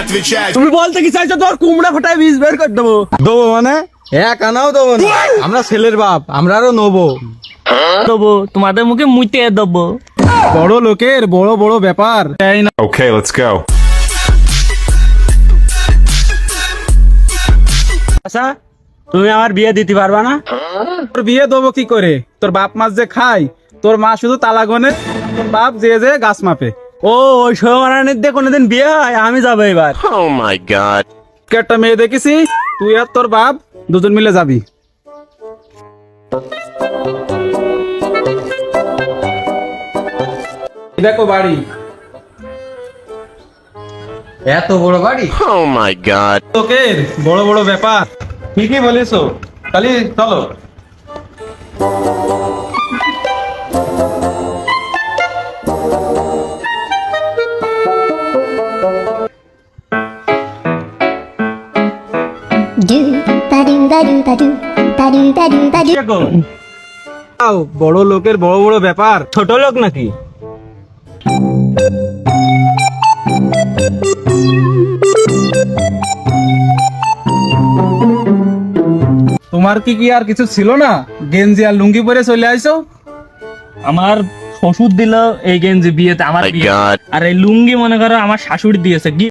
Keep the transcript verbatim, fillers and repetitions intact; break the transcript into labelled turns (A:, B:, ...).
A: তুমি বলতে কি চাইছো তোর কুমড়া ফাটায় বীজ বের করে দেবো?
B: দেবো মানে এক আনাও দেবো না, আমরা ছেলের বাপ, আমরা আরো নেবো।
A: দেবো তোমাদের মুখে মুইতে দেবো।
B: বড় লোকের বড় বড় ব্যাপার, তাই না?
C: Okay, let's go.
A: আচ্ছা তুমি আমার বিয়ে দিতে পারবা না?
B: তোর বিয়ে দেবো কি করে? তোর বাপ মাছ যে খায়, তোর মা শুধু তালা গনে, তোর বাপ যে যে গাছ মাপে।
A: ও ওই সৌমারানির দিয়ে কোনোদিন বিয়ে হয়? আমি যাবো এবার।
C: Oh my god.
B: একটা মেয়ে দেখেছি, তুই আর তোর বাপ দুজন মিলে যাবি। দেখো বাড়ি, এত বড় বাড়ি,
C: Oh my god.
B: লোকের বড় বড় ব্যাপার। ঠিকই বলেছো, খালি চলো।
D: Do ba do ba do ba do ba do ba do ba do.
A: দেখো,
B: আও, বড় লোকের বড় বড় ব্যাপার।
A: ছোট লোক নাকি?
B: তোমার কি কি আর কিছু ছিল না? গেঞ্জি আর লুঙ্গি পরে চলে আইছো।
A: আমার শ্বশুর দিল এই গেঞ্জি বিয়েতে, আমার
C: My
A: বিয়ে।
C: God.
A: আর এই লুঙ্গি মনে করো আমার শাশুড়ি দিয়েছে।